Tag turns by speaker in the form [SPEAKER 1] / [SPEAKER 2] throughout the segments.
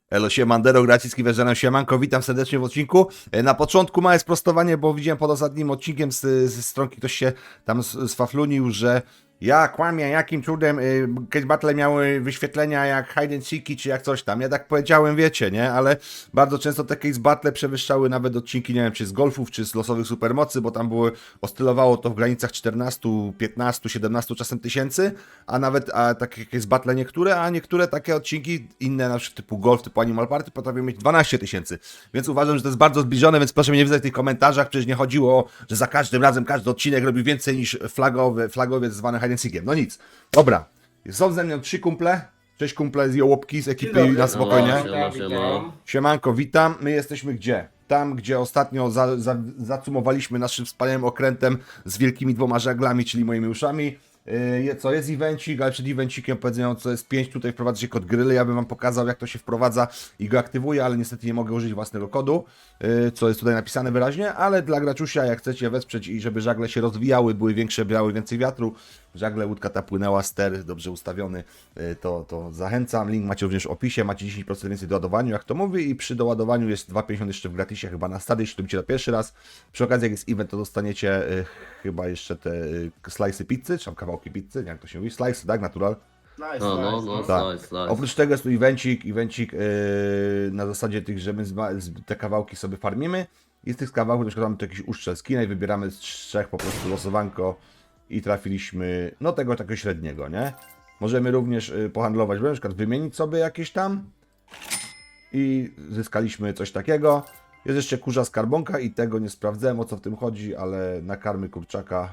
[SPEAKER 1] Elo, siemandero, Gracicki, Wężanem, siemanko, witam serdecznie w odcinku. Na początku małe sprostowanie, bo widziałem pod ostatnim odcinkiem z stronki, ktoś się tam sfaflunił, że ja kłamię, jakim cudem Case Battle miały wyświetlenia jak Hide and Seeki, czy jak coś tam. Ja tak powiedziałem, wiecie, nie? Ale bardzo często te Case Battle przewyższały nawet odcinki, nie wiem, czy z golfów, czy z losowych supermocy, bo tam oscylowało to w granicach 14, 15, 17 czasem tysięcy, a nawet takie Case Battle niektóre, a niektóre takie odcinki inne, na przykład typu golf, typu Animal Party, potrafią mieć 12 tysięcy. Więc uważam, że to jest bardzo zbliżone, więc proszę mnie nie wydać w tych komentarzach, przecież nie chodziło o, że za każdym razem każdy odcinek robi więcej niż flagowiec zwany Hide and Seekiem. No nic. Dobra. Są ze mną 3 kumple. 6 kumple z Jołopki, z ekipy na spokojnie. Siemanko, witam. My jesteśmy gdzie? Tam, gdzie ostatnio zacumowaliśmy naszym wspaniałym okrętem z wielkimi 2 żaglami, czyli moimi uszami. Co jest evencik, ale przed evencikiem powiedzmy, co jest 5, tutaj wprowadza się kod gryly, ja bym wam pokazał, jak to się wprowadza i go aktywuje, ale niestety nie mogę użyć własnego kodu, co jest tutaj napisane wyraźnie, ale dla graczusia, jak chcecie wesprzeć i żeby żagle się rozwijały, były większe, brały więcej wiatru, żagle, łódka ta płynęła, ster dobrze ustawiony, to zachęcam, link macie również w opisie, macie 10% więcej do ładowaniu, jak to mówi, i przy doładowaniu jest 2,50 jeszcze w gratisie, chyba na stady, jeśli to robicie na pierwszy raz. Przy okazji, jak jest event, to dostaniecie chyba jeszcze te slice'y pizzy, czy tam kawałki pizzy, nie jak to się mówi, slice, tak, natural? Tak.
[SPEAKER 2] Nice.
[SPEAKER 1] Oprócz tego jest tu evencik na zasadzie tych, że my te kawałki sobie farmimy i z tych kawałków na przykład mamy tu jakiś uszczel skina i wybieramy z 3 po prostu losowanko i trafiliśmy, no tego takiego średniego, nie? Możemy również pohandlować, na przykład wymienić sobie jakieś tam i zyskaliśmy coś takiego. Jest jeszcze kurza skarbonka i tego nie sprawdzałem, o co w tym chodzi, ale na karmy kurczaka.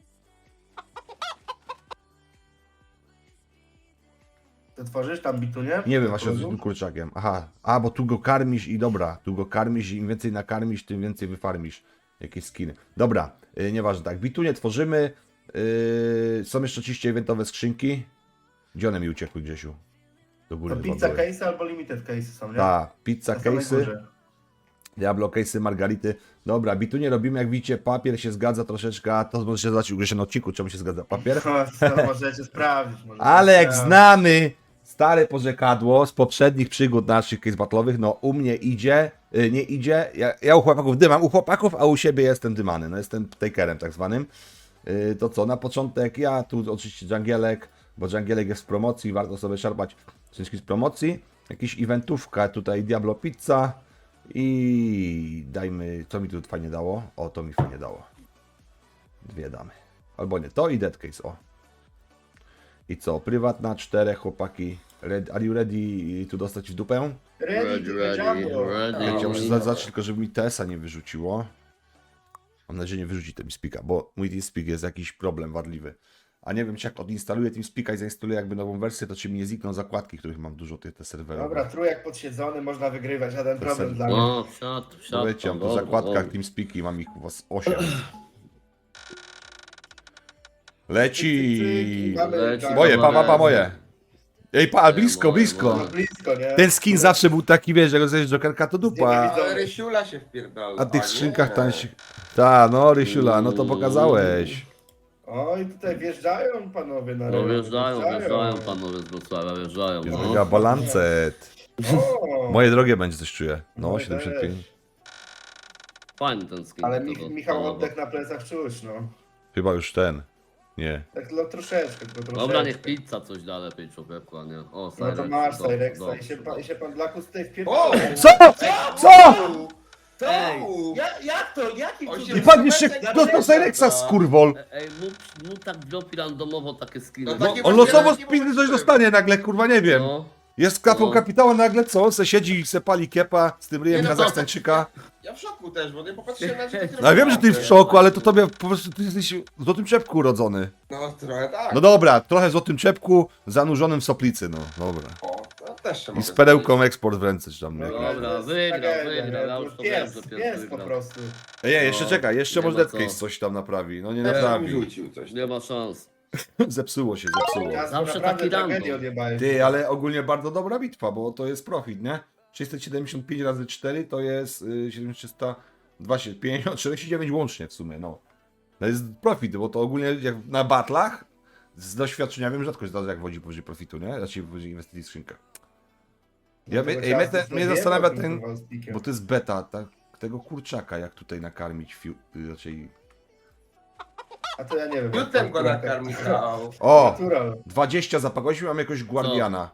[SPEAKER 3] To tworzysz tam bitunie?
[SPEAKER 1] Nie wiem właśnie, z tym kurczakiem. Aha, bo tu go karmisz i dobra, tu go karmisz i im więcej nakarmisz, tym więcej wyfarmisz jakieś skiny. Dobra, nieważne, tak, bitunie tworzymy. Są jeszcze oczywiście eventowe skrzynki. Gdzie one mi uciekły, Grzesiu? Do góry
[SPEAKER 3] To
[SPEAKER 1] chyba
[SPEAKER 3] pizza
[SPEAKER 1] były.
[SPEAKER 3] case albo limited case są, nie?
[SPEAKER 1] Tak, pizza
[SPEAKER 3] Na samej
[SPEAKER 1] case'y,
[SPEAKER 3] górze.
[SPEAKER 1] Diablo case'y, margarity. Dobra, bitunie robimy, jak widzicie, papier się zgadza troszeczkę, a to możecie zobaczyć u Grzesia na odcinku, czemu się zgadza papier.
[SPEAKER 3] To możecie sprawdzić.
[SPEAKER 1] Ale jak znamy stare porzekadło z poprzednich przygód naszych case battle'owych, no u mnie idzie, nie idzie, ja u chłopaków dymam, u chłopaków, a u siebie jestem dymany, no jestem takerem tak zwanym. To co, na początek ja, tu oczywiście dżangielek, bo dżangielek jest w promocji, warto sobie szarpać wszystkich z promocji. Jakiś eventówka, tutaj Diablo Pizza i dajmy, co mi tu fajnie dało? O, to mi fajnie dało. 2 damy. Albo nie, to i Dead Case, o. I co, prywatna, 4 chłopaki. Are you ready tu dostać w dupę?
[SPEAKER 3] Ready.
[SPEAKER 1] Ja muszę zacząć tylko, żeby mi TS-a nie wyrzuciło. Mam nadzieję, że nie wyrzuci TeamSpeak'a, bo mój TeamSpeak jest jakiś problem wadliwy. A nie wiem, czy jak odinstaluję TeamSpeak'a i zainstaluję jakby nową wersję, to czy mi nie znikną zakładki, których mam dużo, te serwerowe.
[SPEAKER 3] Dobra, trójek podsiedzony, można wygrywać, żaden problem dla mnie.
[SPEAKER 2] No, wsiadł.
[SPEAKER 1] Wiecie, mam tu w zakładkach TeamSpeak'i, mam ich u was 8. Leci!
[SPEAKER 3] Mamy
[SPEAKER 1] Moje, moje! Ej, blisko.
[SPEAKER 3] No blisko, nie?
[SPEAKER 1] Ten skin zawsze był taki, wiesz, jak rozejrzysz Jokerka, to dupa.
[SPEAKER 4] Ale Rysiula się wpierdala.
[SPEAKER 1] A w tych skrzynkach tam się... Ta, no Rysiula, no to pokazałeś.
[SPEAKER 3] Oj, tutaj wjeżdżają panowie na
[SPEAKER 2] No
[SPEAKER 3] rynek.
[SPEAKER 2] wjeżdżają panowie z Wrocławia, wjeżdżają.
[SPEAKER 1] Jest
[SPEAKER 2] No.
[SPEAKER 1] mega balancet.
[SPEAKER 3] O,
[SPEAKER 1] Moje drogie będzie, coś czuję. No,
[SPEAKER 3] Moje
[SPEAKER 1] 75.
[SPEAKER 3] też.
[SPEAKER 2] Fajny ten skin.
[SPEAKER 3] Ale
[SPEAKER 2] tego
[SPEAKER 3] Michał
[SPEAKER 2] panowa.
[SPEAKER 3] oddech na plecach czuć, no.
[SPEAKER 1] Chyba już ten. Nie.
[SPEAKER 3] Tak no, troszeczkę, tylko troszeczkę.
[SPEAKER 2] Dobra, niech pizza coś da lepiej człowieku, a nie. O,
[SPEAKER 3] No to
[SPEAKER 2] Cyrex,
[SPEAKER 3] masz
[SPEAKER 2] dobrze,
[SPEAKER 3] Cyrexa
[SPEAKER 2] dobrze,
[SPEAKER 3] i się pan Blakus tutaj
[SPEAKER 4] O!
[SPEAKER 3] wpierdala.
[SPEAKER 1] Co? Co?
[SPEAKER 2] Ej.
[SPEAKER 3] Jak to? Jaki
[SPEAKER 4] On
[SPEAKER 3] cud?
[SPEAKER 4] się
[SPEAKER 1] I pan jeszcze dostał Cyrexa, skurwol.
[SPEAKER 2] Ej, mu tak dropi randomowo takie skiny.
[SPEAKER 4] No takie
[SPEAKER 1] On losowo z pizzy coś dostanie nagle, kurwa, nie wiem.
[SPEAKER 2] No.
[SPEAKER 1] Jest kapą
[SPEAKER 2] No.
[SPEAKER 1] kapitała nagle, co? On se siedzi i se pali kiepa z tym ryjem
[SPEAKER 4] Nie, no
[SPEAKER 1] Kazachstańczyka.
[SPEAKER 4] Ja w szoku też, bo nie popatrzyłem na to.
[SPEAKER 1] No ja wiem, że ty w szoku, ale to tobie po prostu ty jesteś w złotym czepku urodzony.
[SPEAKER 4] No trochę tak.
[SPEAKER 1] No dobra, trochę w złotym czepku, zanurzonym w soplicy, no dobra.
[SPEAKER 4] O, to też się
[SPEAKER 1] I
[SPEAKER 4] mogę
[SPEAKER 1] z perełką eksport w ręce, czy tam.
[SPEAKER 3] No,
[SPEAKER 1] jak-
[SPEAKER 2] Dobra,
[SPEAKER 3] to jest
[SPEAKER 2] wygrał,
[SPEAKER 3] tragedia,
[SPEAKER 2] wygrał,
[SPEAKER 3] nie?
[SPEAKER 2] ja
[SPEAKER 3] To
[SPEAKER 2] już to wiem,
[SPEAKER 3] pies,
[SPEAKER 2] że pies
[SPEAKER 3] pies po
[SPEAKER 2] wygrał.
[SPEAKER 3] prostu.
[SPEAKER 1] Ej, jeszcze czekaj, jeszcze
[SPEAKER 2] Nie
[SPEAKER 1] może
[SPEAKER 2] ma
[SPEAKER 1] Dead Case
[SPEAKER 2] co.
[SPEAKER 1] coś tam naprawi. No nie
[SPEAKER 4] Ja
[SPEAKER 1] naprawi.
[SPEAKER 4] rzucił coś.
[SPEAKER 2] Nie ma szans.
[SPEAKER 1] Zepsuło się, zepsuło.
[SPEAKER 3] Ja
[SPEAKER 2] Zawsze
[SPEAKER 3] naprawdę
[SPEAKER 2] taki random.
[SPEAKER 3] tragedię odjebałem.
[SPEAKER 1] Ty, ale ogólnie bardzo dobra bitwa, bo to jest profit, nie? 675 razy 4 to jest 7350, 49 łącznie w sumie, no. To jest profit, bo to ogólnie jak na batlach z doświadczenia wiem, rzadko się zdarza jak wodzi powyżej profitu, nie? Znaczy powyżej inwestycji w skrzynkach. Ja,
[SPEAKER 3] Tego
[SPEAKER 1] ej,
[SPEAKER 3] ciasta
[SPEAKER 1] mnie
[SPEAKER 3] sobie
[SPEAKER 1] zastanawia
[SPEAKER 3] jebał,
[SPEAKER 1] ten,
[SPEAKER 3] kurwa, z pikiem.
[SPEAKER 1] bo to jest beta, tego kurczaka, jak tutaj nakarmić, raczej...
[SPEAKER 3] A to ja nie wiem.
[SPEAKER 4] Jutem go nakarmić dał.
[SPEAKER 1] O!
[SPEAKER 3] Natural.
[SPEAKER 1] 20 zapakości, mam jakoś guardiana.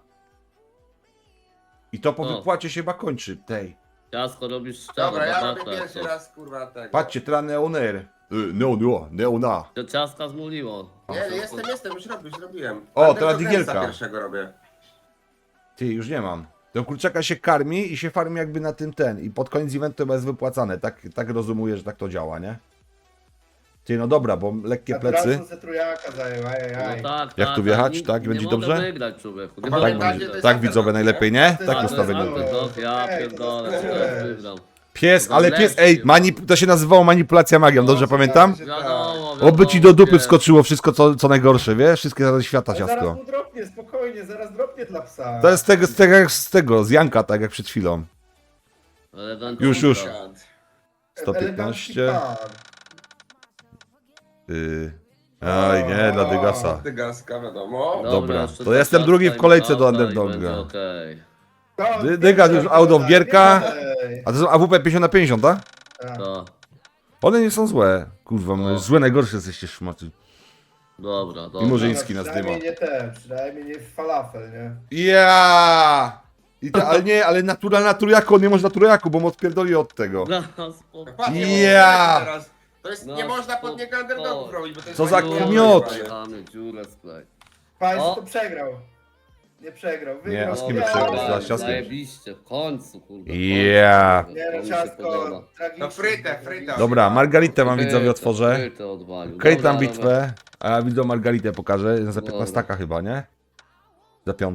[SPEAKER 1] I to po
[SPEAKER 2] Co?
[SPEAKER 1] wypłacie się chyba kończy, tej.
[SPEAKER 2] Ciasko robisz szczerze.
[SPEAKER 4] Dobra, ja robię
[SPEAKER 2] batata,
[SPEAKER 4] pierwszy
[SPEAKER 2] co?
[SPEAKER 4] raz kurwa tego.
[SPEAKER 1] Patrzcie, teraz neoner. Neona.
[SPEAKER 2] To ciaska zmuliło.
[SPEAKER 4] Nie, jestem, już robiłem.
[SPEAKER 1] O,
[SPEAKER 4] Underdog
[SPEAKER 1] teraz
[SPEAKER 4] Race'a
[SPEAKER 1] digielka.
[SPEAKER 4] pierwszego robię.
[SPEAKER 1] Ty, już nie mam. Ten kurczaka się karmi i się farmi jakby na tym i pod koniec eventu to jest wypłacane. Tak rozumuję, że tak to działa, nie? Ty, no dobra, bo lekkie plecy.
[SPEAKER 3] Naturalną se trójaka zajął, ajajaj.
[SPEAKER 2] No tak,
[SPEAKER 1] Jak
[SPEAKER 2] tak,
[SPEAKER 1] tu wjechać?
[SPEAKER 2] nie-
[SPEAKER 1] Tak,
[SPEAKER 2] nie
[SPEAKER 1] będzie
[SPEAKER 2] mogę
[SPEAKER 1] dobrze?
[SPEAKER 2] wygrać, człowieku. Nie
[SPEAKER 4] Tak,
[SPEAKER 2] mogę
[SPEAKER 4] będzie-
[SPEAKER 2] wygrać.
[SPEAKER 1] Tak widzowie najlepiej, nie?
[SPEAKER 3] To
[SPEAKER 1] Tak
[SPEAKER 3] jest
[SPEAKER 1] ustawienie.
[SPEAKER 2] Underdog, ja
[SPEAKER 3] Ej, to
[SPEAKER 2] pierdolę,
[SPEAKER 3] jest
[SPEAKER 2] teraz
[SPEAKER 3] wiesz.
[SPEAKER 2] wygram.
[SPEAKER 1] Pies,
[SPEAKER 2] To
[SPEAKER 1] ale
[SPEAKER 2] lepszy
[SPEAKER 1] pies, ej,
[SPEAKER 2] chyba.
[SPEAKER 1] to się nazywało manipulacja magią, dobrze pamiętam?
[SPEAKER 2] Wiadomo,
[SPEAKER 1] Oby ci do dupy
[SPEAKER 2] wiesz.
[SPEAKER 1] wskoczyło wszystko, co najgorsze, wiesz? Wszystkie rady świata,
[SPEAKER 3] Ale zaraz
[SPEAKER 1] ciastko.
[SPEAKER 3] mu dropnie, spokojnie, zaraz dropnie dla psa.
[SPEAKER 1] To jest z tego, z Janka, tak jak przed chwilą.
[SPEAKER 2] Elegancko.
[SPEAKER 1] Już.
[SPEAKER 3] Elegancki
[SPEAKER 1] 115.
[SPEAKER 3] pan.
[SPEAKER 1] Aj, nie, dla Dygasa.
[SPEAKER 4] Dygaska, wiadomo.
[SPEAKER 1] Dobra,
[SPEAKER 2] jeszcze
[SPEAKER 1] to
[SPEAKER 2] ta
[SPEAKER 1] jestem
[SPEAKER 2] ciastka
[SPEAKER 1] drugi w
[SPEAKER 2] i
[SPEAKER 1] kolejce do
[SPEAKER 2] ciasta i
[SPEAKER 1] Underdoga.
[SPEAKER 2] będzie okej.
[SPEAKER 3] No,
[SPEAKER 1] Dygas już out of gierka.
[SPEAKER 3] Ej.
[SPEAKER 1] A to są AWP 50/50, tak?
[SPEAKER 3] Tak.
[SPEAKER 2] To,
[SPEAKER 1] One nie są złe. Kurwa,
[SPEAKER 2] No.
[SPEAKER 1] złe najgorsze jesteście szmaty.
[SPEAKER 2] dobra, dobra.
[SPEAKER 1] I może
[SPEAKER 3] No,
[SPEAKER 1] Chiński nas
[SPEAKER 3] przynajmniej
[SPEAKER 1] dyma.
[SPEAKER 3] nie te, przynajmniej nie falafel, nie?
[SPEAKER 1] Ja! Ale nie, ale na trójjaku, on nie może na trójjaku, bo mu odpierdoli od tego.
[SPEAKER 2] No, spoko.
[SPEAKER 4] Patrz, nie
[SPEAKER 1] Ja!
[SPEAKER 4] można teraz. To jest,
[SPEAKER 2] No,
[SPEAKER 4] nie można pod niego underdogów
[SPEAKER 2] spoko.
[SPEAKER 4] robić, bo to jest
[SPEAKER 1] Co za
[SPEAKER 4] manipulacja.
[SPEAKER 1] kmiot!
[SPEAKER 2] Mamy dziurę sklej.
[SPEAKER 3] Państwo
[SPEAKER 2] O.
[SPEAKER 3] to przegrał. Nie przegrał, wygrał.
[SPEAKER 1] Nie, a z kim
[SPEAKER 3] Ja.
[SPEAKER 1] przegrał? Z ciastkiem?
[SPEAKER 2] Zajebiście, w końcu, kurde.
[SPEAKER 1] Ja.
[SPEAKER 3] Nie no,
[SPEAKER 2] To mi się
[SPEAKER 3] ciastko,
[SPEAKER 2] podoba.
[SPEAKER 3] tragicznie.
[SPEAKER 4] No frytę.
[SPEAKER 1] Dobra, Margaritę wam widzowie
[SPEAKER 2] Frytę,
[SPEAKER 1] otworzę.
[SPEAKER 2] frytę odwalił.
[SPEAKER 1] Okej,
[SPEAKER 2] Dobra,
[SPEAKER 1] tam
[SPEAKER 2] dobra.
[SPEAKER 1] bitwę. A ja widzę Margaritę pokażę. Za
[SPEAKER 2] Dobra.
[SPEAKER 1] 15 chyba, nie? Za 5.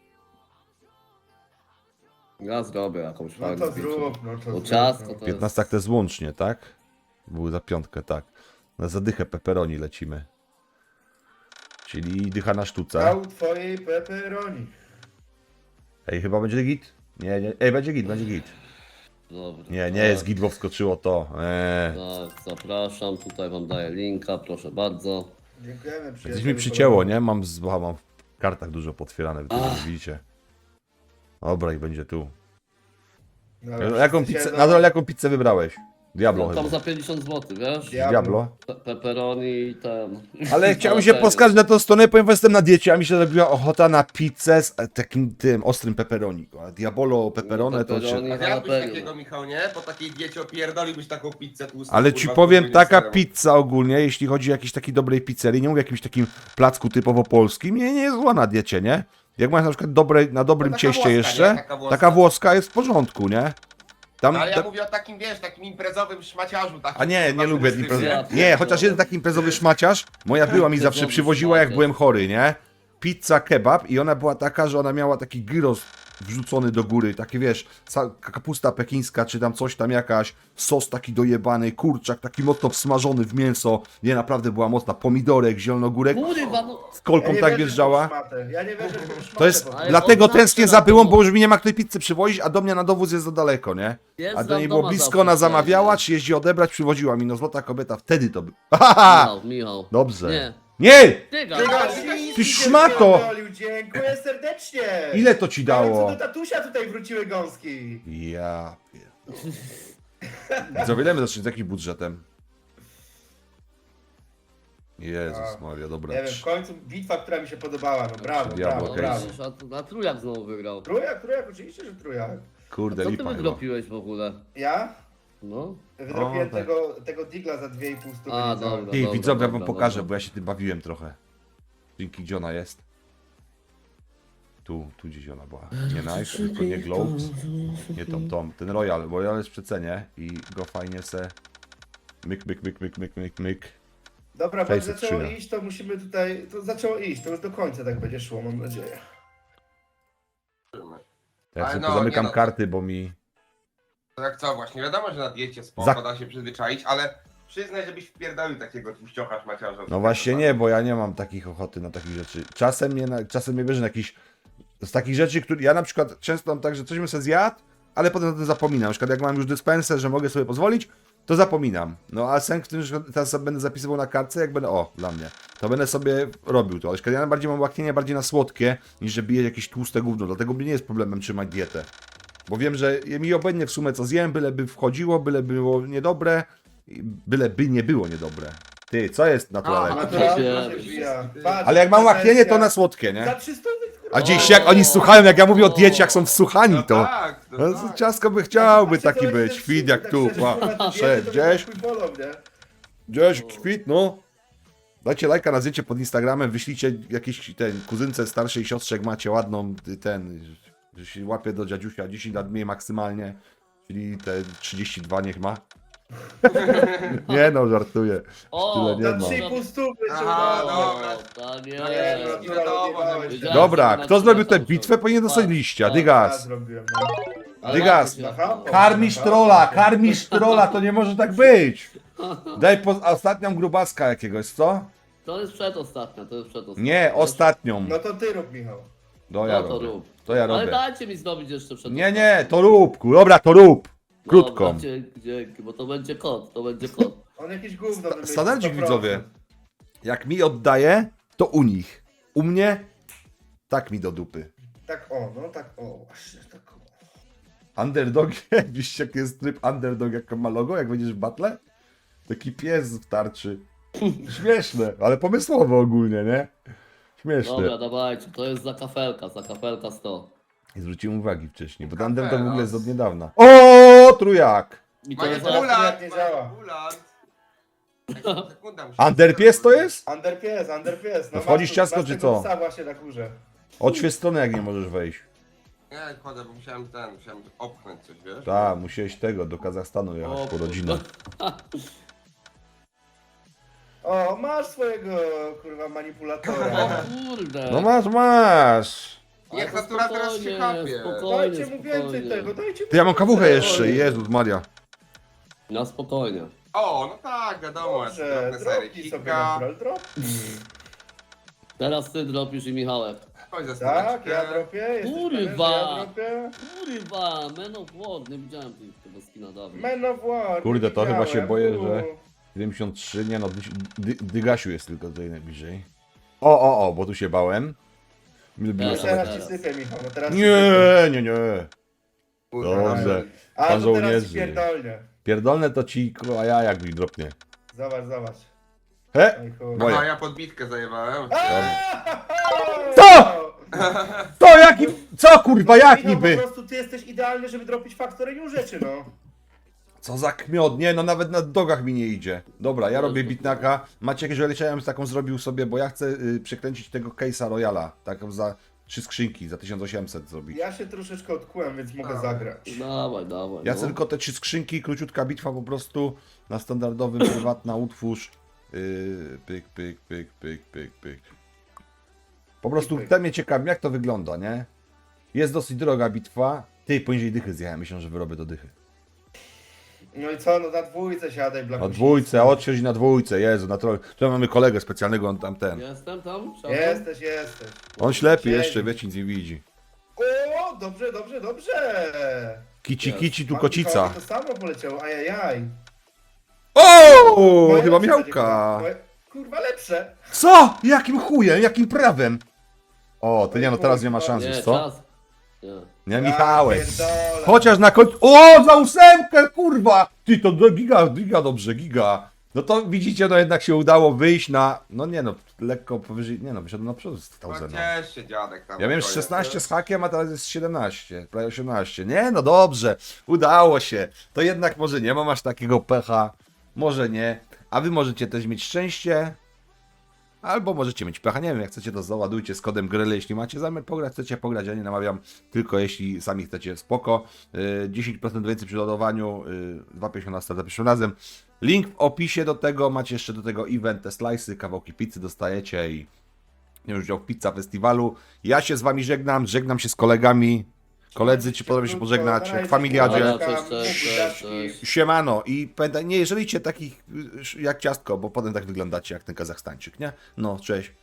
[SPEAKER 2] Ja zrobię jakąś
[SPEAKER 3] No
[SPEAKER 2] fajną
[SPEAKER 3] to zrób, no to
[SPEAKER 2] Bo
[SPEAKER 3] zrób.
[SPEAKER 2] ciastko
[SPEAKER 3] no.
[SPEAKER 2] to
[SPEAKER 1] 15 to jest łącznie, tak? Były za 5, tak. Na zadychę pepperoni lecimy. Czyli dycha na sztuce.
[SPEAKER 3] Dał twojej pepperoni.
[SPEAKER 1] Ej, chyba będzie git? Nie. Ej, będzie git.
[SPEAKER 2] Dobra.
[SPEAKER 1] Nie jest git, bo wskoczyło to.
[SPEAKER 2] Tak, zapraszam, tutaj wam daję linka, proszę bardzo.
[SPEAKER 3] Dziękujemy, przyjacielu.
[SPEAKER 1] Coś mi przycięło, nie? Mam w kartach dużo potwierane, wy to widzicie. Dobra, i będzie tu.
[SPEAKER 3] Dobra,
[SPEAKER 1] Jaką
[SPEAKER 3] wszyscy
[SPEAKER 1] pizzę,
[SPEAKER 3] siedzą.
[SPEAKER 1] nadal jaką pizzę wybrałeś? Diablo
[SPEAKER 2] No, tam
[SPEAKER 1] chyba.
[SPEAKER 2] za 50 zł, wiesz?
[SPEAKER 1] Diablo.
[SPEAKER 2] Pepperoni i ten.
[SPEAKER 1] Ale chciałem się poskarżyć na tą stronę, powiem wam, jestem na diecie, a mi się zrobiła ochota na pizzę z takim tym ostrym pepperoni. A Diabolo pepperone to
[SPEAKER 2] Pepperoni.
[SPEAKER 4] A ty jakbyś
[SPEAKER 2] Jalapeno.
[SPEAKER 4] takiego, Michał, nie? Po takiej diecie opierdolibyś taką pizzę tłustą.
[SPEAKER 1] Ale ci
[SPEAKER 4] kurwa,
[SPEAKER 1] powiem,
[SPEAKER 4] z
[SPEAKER 1] taka
[SPEAKER 4] serem.
[SPEAKER 1] pizza ogólnie, jeśli chodzi o jakiejś takiej dobrej pizzerii, nie mówię o jakimś takim placku typowo polskim, nie jest zła na diecie, nie? Jak masz na przykład na dobrym
[SPEAKER 4] taka
[SPEAKER 1] cieście
[SPEAKER 4] włoska,
[SPEAKER 1] jeszcze,
[SPEAKER 4] nie? Taka
[SPEAKER 1] taka
[SPEAKER 4] włoska.
[SPEAKER 1] włoska jest w porządku, nie? Tam,
[SPEAKER 4] Ale ja mówię o takim, wiesz, takim imprezowym szmaciarzu. Takim,
[SPEAKER 1] A nie
[SPEAKER 4] kurwa,
[SPEAKER 1] lubię
[SPEAKER 4] turystycznym.
[SPEAKER 1] imprezowych.
[SPEAKER 2] Ja
[SPEAKER 1] Nie, chociaż jeden taki imprezowy szmaciarz, moja była mi zawsze
[SPEAKER 2] Imprezowy
[SPEAKER 1] przywoziła, jak
[SPEAKER 2] szmaciarz.
[SPEAKER 1] byłem chory, nie? Pizza kebab i ona była taka, że ona miała taki gyros wrzucony do góry, takie wiesz, kapusta pekińska, czy tam coś tam jakaś, sos taki dojebany, kurczak taki mocno wsmażony w mięso, nie, naprawdę była mocna, pomidorek, zielonogórek,
[SPEAKER 2] Kurwa, no.
[SPEAKER 1] z kolką
[SPEAKER 3] nie
[SPEAKER 1] tak
[SPEAKER 3] wierzę w tą
[SPEAKER 1] wjeżdżała.
[SPEAKER 3] szmatę. Ja nie wierzę w tą szmatę.
[SPEAKER 1] To jest,
[SPEAKER 3] po
[SPEAKER 2] Ale
[SPEAKER 1] dlatego
[SPEAKER 2] od nas
[SPEAKER 1] tęsknię
[SPEAKER 2] na
[SPEAKER 1] za byłą,
[SPEAKER 2] domu.
[SPEAKER 1] bo już mi nie ma której pizzy przywozić, a do mnie na dowóz jest za daleko, nie?
[SPEAKER 2] Jest
[SPEAKER 1] A do
[SPEAKER 2] tam
[SPEAKER 1] niej było
[SPEAKER 2] doma
[SPEAKER 1] blisko,
[SPEAKER 2] zawsze
[SPEAKER 1] ona
[SPEAKER 2] przecież.
[SPEAKER 1] zamawiała, czy jeździ odebrać, przywoziła mi, no złota kobieta, wtedy to by... Haha!
[SPEAKER 2] Michał.
[SPEAKER 1] Dobrze.
[SPEAKER 2] Nie.
[SPEAKER 1] Nie!
[SPEAKER 2] Tyga.
[SPEAKER 1] Ty szmato!
[SPEAKER 3] Dziękuję serdecznie!
[SPEAKER 1] Ile to ci
[SPEAKER 3] W końcu
[SPEAKER 1] dało?
[SPEAKER 3] do tatusia tutaj wróciły gąski.
[SPEAKER 1] Ja pier... Co wiele zacząć z jakim budżetem? Jezus Maria, dobra.
[SPEAKER 3] Nie wiem, w końcu bitwa, która mi się podobała, no brawo,
[SPEAKER 1] Diablo,
[SPEAKER 3] brawo,
[SPEAKER 1] okej.
[SPEAKER 3] brawo.
[SPEAKER 2] Na trójak znowu wygrał.
[SPEAKER 3] Trójak, oczywiście, że trójak.
[SPEAKER 1] Kurde,
[SPEAKER 2] Co ty
[SPEAKER 1] lipa chyba.
[SPEAKER 2] wydropiłeś w ogóle?
[SPEAKER 3] Ja?
[SPEAKER 2] No.
[SPEAKER 3] Wydropiłem
[SPEAKER 1] tak.
[SPEAKER 3] tego digla za 2,5 stówy.
[SPEAKER 2] A,
[SPEAKER 3] niecałe.
[SPEAKER 2] dobra.
[SPEAKER 1] Ty, widzowie, ja wam
[SPEAKER 2] dobra,
[SPEAKER 1] pokażę,
[SPEAKER 2] dobra.
[SPEAKER 1] bo ja się tym bawiłem trochę. Dzięki, gdzie ona jest? Tu gdzieś ona była. Nie Knife, tylko nie Globes. Nie Tom. Ten Royal, bo Royal jest w przecenie i go fajnie se... Myk.
[SPEAKER 3] Dobra, bo jak
[SPEAKER 1] 600
[SPEAKER 3] zaczęło
[SPEAKER 1] skrzynia.
[SPEAKER 3] iść, to musimy tutaj... To zaczęło iść, to już do końca tak będzie szło, mam nadzieję.
[SPEAKER 1] Ja
[SPEAKER 4] Ale
[SPEAKER 1] sobie
[SPEAKER 4] no,
[SPEAKER 1] zamykam
[SPEAKER 4] nie no.
[SPEAKER 1] karty, bo mi...
[SPEAKER 4] To jak co, właśnie, wiadomo, że na diecie
[SPEAKER 1] Za-
[SPEAKER 4] spoko da się przyzwyczaić, ale przyznaj, żebyś wpierdolił takiego tłuściocha szmaciarza.
[SPEAKER 1] No właśnie nie, bo ja nie mam takich ochoty na takich rzeczy. Czasem mnie bierze na jakiś... Z takich rzeczy, które... Ja na przykład często mam tak, że coś bym sobie zjadł, ale potem o tym zapominam. Na przykład jak mam już dyspensę, że mogę sobie pozwolić, to zapominam. No a sęk w tym, że teraz będę zapisywał na kartce, jak będę, o, dla mnie, to będę sobie robił to. Ale ja bardziej mam łaknienie bardziej na słodkie, niż że biję jakieś tłuste gówno, dlatego mnie nie jest problemem trzymać dietę. Bo wiem, że mi obojętnie w sumie co zjem, byleby wchodziło, byle było niedobre, byleby nie było niedobre. Ty, co jest naturalne?
[SPEAKER 3] Naturalnie się wbija. Patrz,
[SPEAKER 1] Ale jak mam łaknienie, to
[SPEAKER 3] prezencja.
[SPEAKER 1] na słodkie,
[SPEAKER 3] Za
[SPEAKER 1] nie?
[SPEAKER 3] 300 kurwa.
[SPEAKER 1] A dziś jak oni słuchają, jak ja mówię o diecie, jak są wsłuchani,
[SPEAKER 4] No
[SPEAKER 1] to...
[SPEAKER 4] tak,
[SPEAKER 1] No,
[SPEAKER 4] no tak.
[SPEAKER 1] ciasko by chciałby
[SPEAKER 3] Patrzcie,
[SPEAKER 1] taki
[SPEAKER 3] to
[SPEAKER 1] być,
[SPEAKER 3] jest
[SPEAKER 1] kwit
[SPEAKER 3] super,
[SPEAKER 1] jak
[SPEAKER 3] tak
[SPEAKER 1] tu,
[SPEAKER 3] szczerze,
[SPEAKER 1] pa.
[SPEAKER 3] kurwa, te
[SPEAKER 1] Szedł,
[SPEAKER 3] diety to
[SPEAKER 1] gdzieś,
[SPEAKER 3] chuj bolą, nie?
[SPEAKER 1] gdzieś, kwit, no. Dajcie lajka na zdjęcie pod Instagramem, wyślijcie jakiejś kuzynce starszej siostrze, jak macie ładną, że się łapie do dziadziusia, 10 lat mniej maksymalnie, czyli te 32 niech ma. Nie no, żartuję. Tyle nie
[SPEAKER 3] Za
[SPEAKER 1] ma.
[SPEAKER 3] 3,5 stówy się
[SPEAKER 4] Aha,
[SPEAKER 3] udało.
[SPEAKER 4] dobra.
[SPEAKER 2] Tak
[SPEAKER 4] Nie,
[SPEAKER 2] jest.
[SPEAKER 4] nie wiadomo, że
[SPEAKER 2] Wiedziałem,
[SPEAKER 1] Dobra,
[SPEAKER 2] że
[SPEAKER 1] kto
[SPEAKER 2] na
[SPEAKER 1] zrobił
[SPEAKER 2] przykład
[SPEAKER 1] tę bitwę, powinien dostać liścia,
[SPEAKER 3] Ja
[SPEAKER 1] dygas.
[SPEAKER 3] zrobiłem, no.
[SPEAKER 2] Ale
[SPEAKER 1] Dygas.
[SPEAKER 2] jak to się-
[SPEAKER 3] Aha.
[SPEAKER 1] Karmisz trolla, to nie może tak być. Daj ostatnią grubaska jakiegoś, co?
[SPEAKER 2] To jest przedostatnia, to jest przedostatnia.
[SPEAKER 1] Nie, ostatnią.
[SPEAKER 3] No to ty rób, Michał.
[SPEAKER 1] No ja
[SPEAKER 2] No to
[SPEAKER 1] robię.
[SPEAKER 2] rób.
[SPEAKER 1] To ja
[SPEAKER 2] Ale
[SPEAKER 1] robię.
[SPEAKER 2] dajcie mi zrobić jeszcze przedostatnią.
[SPEAKER 1] Nie, nie, to rób, dobra, to rób. Krótką.
[SPEAKER 2] Dobra, dzięki, bo to będzie kot, to będzie kot.
[SPEAKER 3] On jakieś gówno wymyślił.
[SPEAKER 1] Standardzik
[SPEAKER 3] 100%.
[SPEAKER 1] widzowie. Jak mi oddaje, to u nich. U mnie, tak mi do dupy.
[SPEAKER 3] Tak o, no tak o, właśnie tak o.
[SPEAKER 1] Underdog, wiesz jaki jest tryb underdog, jak ma logo, jak będziesz w battle? Taki pies w tarczy. Śmieszne, ale pomysłowe ogólnie, nie? Śmieszne.
[SPEAKER 2] Dobra, dawajcie, to jest za kafelka 100.
[SPEAKER 1] Nie zwróciłem uwagi wcześniej, bo
[SPEAKER 4] Kapela.
[SPEAKER 1] underdog w ogóle jest od niedawna. O, trójak!
[SPEAKER 2] I to jest za...
[SPEAKER 3] Manipulant, nie działa.
[SPEAKER 1] Underpies to jest?
[SPEAKER 3] Underpies.
[SPEAKER 1] To wchodzisz
[SPEAKER 3] masz-
[SPEAKER 1] ciasko,
[SPEAKER 3] masz
[SPEAKER 1] czy
[SPEAKER 3] tego
[SPEAKER 1] co?
[SPEAKER 3] psa właśnie na górze.
[SPEAKER 1] Od strony jak nie możesz wejść.
[SPEAKER 4] Nie, chodzę, bo musiałem opchnąć coś, wiesz?
[SPEAKER 1] Tak, musiałeś tego, do Kazachstanu jechać
[SPEAKER 2] O,
[SPEAKER 1] po rodzinę.
[SPEAKER 3] O, masz swojego kurwa
[SPEAKER 2] O
[SPEAKER 3] manipulatora.
[SPEAKER 2] kurde.
[SPEAKER 1] No masz.
[SPEAKER 2] Ale
[SPEAKER 4] Jak
[SPEAKER 2] to
[SPEAKER 4] natura teraz się
[SPEAKER 2] spokojnie,
[SPEAKER 4] chapie.
[SPEAKER 2] spokojnie,
[SPEAKER 3] Dajcie mu więcej
[SPEAKER 2] spokojnie.
[SPEAKER 3] tego, dajcie mu
[SPEAKER 1] Ty, ja mam kawuchę
[SPEAKER 3] więcej.
[SPEAKER 1] jeszcze, Jezus Maria.
[SPEAKER 2] Na spokojnie.
[SPEAKER 4] O, no tak, wiadomo,
[SPEAKER 3] Dobrze,
[SPEAKER 4] drobne sery.
[SPEAKER 3] dropnij sobie
[SPEAKER 4] Kika,
[SPEAKER 3] natural, drop.
[SPEAKER 2] Teraz ty dropisz i Michałek.
[SPEAKER 4] chodź za
[SPEAKER 3] Tak,
[SPEAKER 4] stoleczkę.
[SPEAKER 3] ja dropię, jesteś
[SPEAKER 2] Kurwa.
[SPEAKER 3] pewien, że ja dropię.
[SPEAKER 2] Kurwa, Man of War, nie widziałem tego skina dawno.
[SPEAKER 3] Man of War,
[SPEAKER 1] Kurde,
[SPEAKER 3] nie
[SPEAKER 1] to chyba się
[SPEAKER 3] widziałem.
[SPEAKER 1] boję, że- 73, nie no, Dygasiu jest tylko tutaj najbliżej. O, bo tu się bałem. Mi lubiło
[SPEAKER 2] Teraz.
[SPEAKER 1] same...
[SPEAKER 3] Teraz ci sypię, Michał, no teraz ci sypię.
[SPEAKER 1] Nie.
[SPEAKER 4] Kurwa,
[SPEAKER 1] Dobrze.
[SPEAKER 3] A
[SPEAKER 1] Pan
[SPEAKER 3] to teraz
[SPEAKER 1] żołnierzy.
[SPEAKER 3] ci pierdolnie.
[SPEAKER 1] Pierdolne to ci, a ja jak mi dropnie.
[SPEAKER 3] Zobacz.
[SPEAKER 1] He?
[SPEAKER 3] Oj, kurwa.
[SPEAKER 1] Moje.
[SPEAKER 4] Aha, ja podbitkę zajebałem.
[SPEAKER 1] Co? To jaki... Co kurwa, jak
[SPEAKER 3] Michał,
[SPEAKER 1] niby?
[SPEAKER 3] po prostu ty jesteś idealny, żeby dropić faktorynią rzeczy, no.
[SPEAKER 1] Co za kmiot, nie no nawet na dogach mi nie idzie. Dobra, ja robię bitnaka. Macie jakieś olejcia, ja bym taką zrobił sobie, bo ja chcę przekręcić tego case'a Royala. Taką za 3 skrzynki, za 1800 zrobić.
[SPEAKER 3] Ja się troszeczkę odkułem, więc mogę zagrać.
[SPEAKER 2] Dawaj.
[SPEAKER 1] Ja
[SPEAKER 2] no.
[SPEAKER 1] chcę tylko te 3 skrzynki, króciutka bitwa po prostu na standardowym prywatna utwórz. Pyk. Po prostu
[SPEAKER 3] Pyk.
[SPEAKER 1] te mnie ciekawi, jak to wygląda, nie? Jest dosyć droga bitwa. Ty, poniżej dychy zjechałem, myślę, że wyrobię do dychy.
[SPEAKER 3] No i co, no na dwójce siadaj,
[SPEAKER 1] Na
[SPEAKER 3] Blakusiński.
[SPEAKER 1] dwójce, odsiądź na dwójce, Jezu, na troll. Tu mamy kolegę specjalnego, on tam ten.
[SPEAKER 2] Jestem tam? Szafą?
[SPEAKER 3] Jesteś.
[SPEAKER 1] On ślepy
[SPEAKER 3] Siedzi.
[SPEAKER 1] jeszcze, wiecie, nic nie widzi.
[SPEAKER 3] O, dobrze.
[SPEAKER 1] Kici, tu
[SPEAKER 3] Mam
[SPEAKER 1] kocica.
[SPEAKER 3] To samo poleciało, ajajaj.
[SPEAKER 1] O,
[SPEAKER 3] Moje
[SPEAKER 1] chyba
[SPEAKER 3] lepsze będzie,
[SPEAKER 1] miałka.
[SPEAKER 3] kurwa. Kurwa lepsze.
[SPEAKER 1] Co? Jakim chujem, jakim prawem? O, ty nie no, teraz nie ma szans,
[SPEAKER 2] Nie,
[SPEAKER 1] wiesz co?
[SPEAKER 2] czas. Nie.
[SPEAKER 1] Nie, Michałek.
[SPEAKER 3] Ja pierdolę.
[SPEAKER 1] Chociaż na końcu... O, za ósemkę, kurwa! Ty, to giga dobrze, giga. No to widzicie, no jednak się udało wyjść na... No nie no, lekko powyżej... Nie no, wyszedłem na przodu z
[SPEAKER 4] No
[SPEAKER 1] 1000.
[SPEAKER 4] ciesz się dziadek tam.
[SPEAKER 1] Ja miałem
[SPEAKER 4] to jest,
[SPEAKER 1] 16
[SPEAKER 4] nie?
[SPEAKER 1] z hakiem, a teraz jest 17, prawie 18. Nie, no dobrze, udało się. To jednak może nie mam aż takiego pecha, może nie. A wy możecie też mieć szczęście, albo możecie mieć pecha. Nie wiem, jak chcecie, to załadujcie z kodem GRELY, jeśli macie zamiar pograć, chcecie pograć, ja nie namawiam, tylko jeśli sami chcecie, spoko. 10% więcej przy ładowaniu, 2,50 na start za pierwszym razem. Link w opisie do tego, macie jeszcze do tego event, te slice'y, kawałki pizzy dostajecie i już udział w Pizza Festiwalu. Ja się z wami żegnam się z kolegami. Koledzy, ci podobnie się pożegnać, jak w familiadzie.
[SPEAKER 2] Dobra, cześć.
[SPEAKER 1] Siemano i pamiętaj, nie jeżeli cię takich jak ciastko, bo potem tak wyglądacie jak ten Kazachstańczyk, nie? No, cześć.